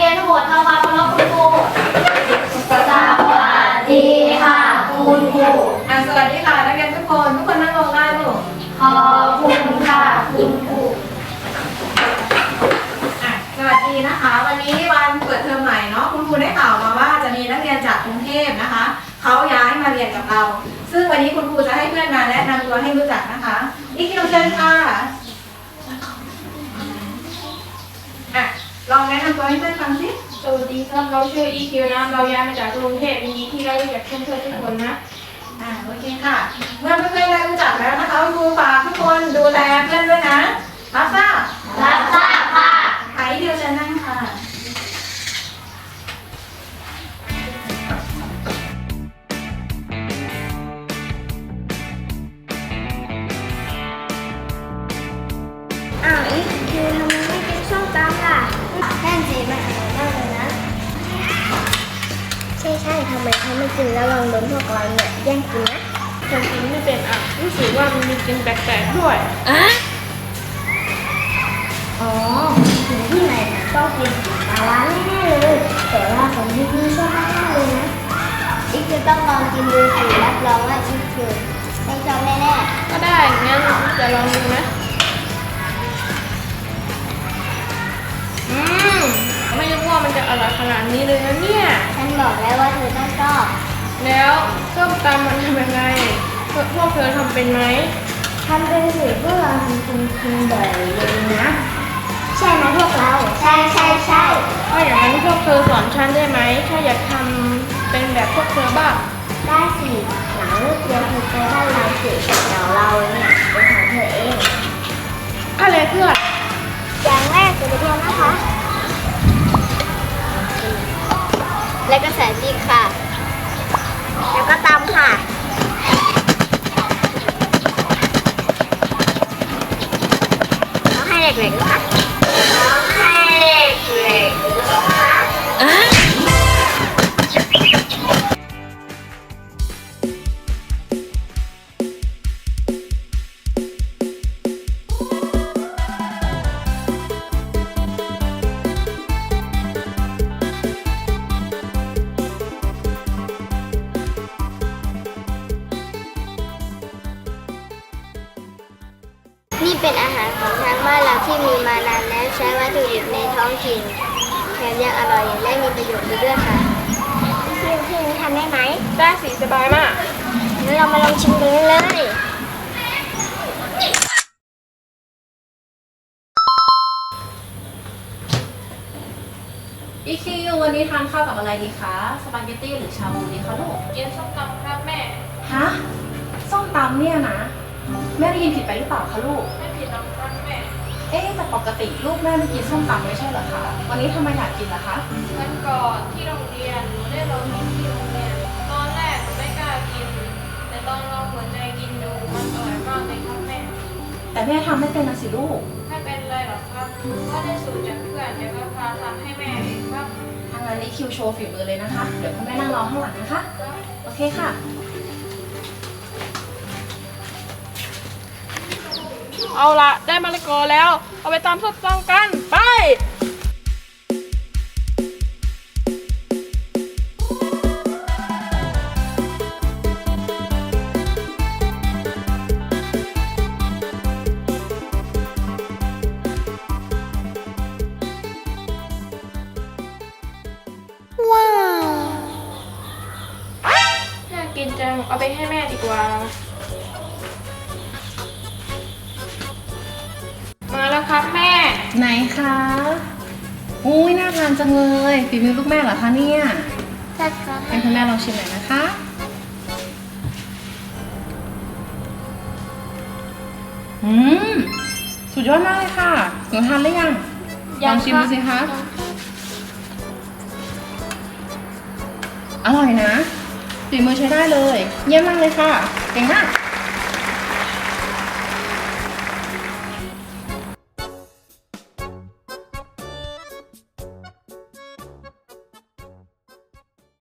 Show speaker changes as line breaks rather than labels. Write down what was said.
นทั้งหมดทำความเคารพคุณครูสวัสดีค่ะคุณครู
สวัสดีค่ะนักเรียนทุกคนนั่งลงได้ลูก
ขอบคุณค่ะคุณครู
สวัสดีนะคะวันนี้วันเปิดเทอมใหม่เนาะคุณครูได้ข่าวมาว่าจะมีนักเรียนจากกรุงเทพนะคะเขาย้ายมาเรียนกับเราซึ่งวันนี้คุณครูจะให้เพื่อนมาแนะนำตัวให้รู้จักนะคะอีคิวเชิญค่ะลองแนะนำตัวให้เพื่อนฟังสิ
สวัสดีครับเราชื่อ EQ นะเราย้ายมาจากกรุงเทพยินดีที่ได้รู้จักเพื่อนๆทุกคนนะ
โอเคค่ะเมื่อเพื่อนๆได้รู้จักแล้วนะคะคุณครูฝากทุกคนดูแลเพื่อนด้วยนะรับทราบ
ค่ะ
ใครเดียวจะนั่งค่ะ
อีคิวทำไมไม่กินส้มตำล่ะแค่จีมันอร่อยมากเลยนะใช่ทำไมเขาไม่กินแล้วลองโดนพวกเราเนี่ยแย่งกินนะ
ฉันกินไม่เป็นรู้สึกว่ามันมีกลิ่นแปลกๆด้วย
อ๋อถึงที่ไหนนะต้องกินปลาร้าแน่ๆเลยแต่ว่าผมไม่กินชอบมากเลยนะอีคิวต้องลองกินดูสิรับรองว่าอีคิวต้องชอบแน่
ก็ได้งั้นจะลองดูนะไม่รู้ว่ามันจะอร่อยขนาดนี้เลยนะเนี่ย
ฉันบอกแล้วว่าเธอต้องชอบ
แล้วส้มตำมันทำยังไงพวกเธอทำเป็นไหม
ทำเป็นสิพวกเราทำกินบ่อยเลยนะใช่ไหมพวกเราใช่
ถ้าอย่างนั้นพวกเธอสอนฉันได้ไหมถ้าอยากทำเป็นแบบพวกเธอบ้าง
ได้สิหลังเลิกเรียนเธอไปบ้านเราสิเดี๋ยวเราเนี่ยจะสอนเธอเอง
อะไรเพื่อน
อย่างแรกจะไปเรียนนะคะแล้วก็ใส่พริกค่ะแล้วก็ตำค่ะต้องให้เด็กๆค่ะต้องให้เด็กๆค่ะนี่เป็นอาหารของทางบ้านเราที่มีมานานแล้วใช้วัตถุดิบในท้องถิ่นแถมยังอร่อยและมีประโยชน์ด้วยค่ะพี่นี้ทำได้ไหม
ได้สิสบายมาก
งั้นเรามาลองชิมกันเลย
อีคิววันนี้ทานข้าวกับอะไรดีคะสปาเกตตี้หรือชาบูดีคะลูก
กินส้มตำครับแม่
ฮะส้มตำเนี่ยนะแม่ได้ยินผิดไปหรือเปล่าคะลูก
ไม่ผิดหรอกครับแม่
แต่ปกติลูกแม่ไม่กินส้มตำไม่ใช่เหรอคะวันนี้ทำไมอยากกินล่ะคะ
วันก่อนที่โรงเรียนหนูได้ลองกินที่โรงเรียนตอนแรกหนูไม่กล้ากินแต่ตอนลองหัวใจกินดูมันอร่อยมากเลยครับแม่
แต่แม่ทำไม่เป็นนะสิลูก
ไม่เป็นไรหรอกครับก็ได้สูตรจากเพื่อนเดี๋ยวก็พาทำให้แม่เองครับ
ทางนั้นนี่คิวโชว์ฝีมือเลยนะคะเดี๋ยวคุณแม่นั่งรอข้างหลังนะคะโอเคค่ะ
เอาละได้มะละกอแล้วเอาไปตำส้มตำกันไปว้าวน่ากินจังเอาไปให้แม่ดีกว่ามาแล้วครับแม่
ไหนคะอุ้ยน่าทานจังเลยฝีมือลูกแม่เหรอคะเนี่ย
ใช่ครับ
ให้คุณแม่ลองชิมหน่อยนะคะสุดยอดมากเลยค่ะหนูทานหรือยังลองชิมดูสิคะอร่อยนะฝีมือใช้ได้เลยเยี่ยมมากเลยค่ะเก่งมาก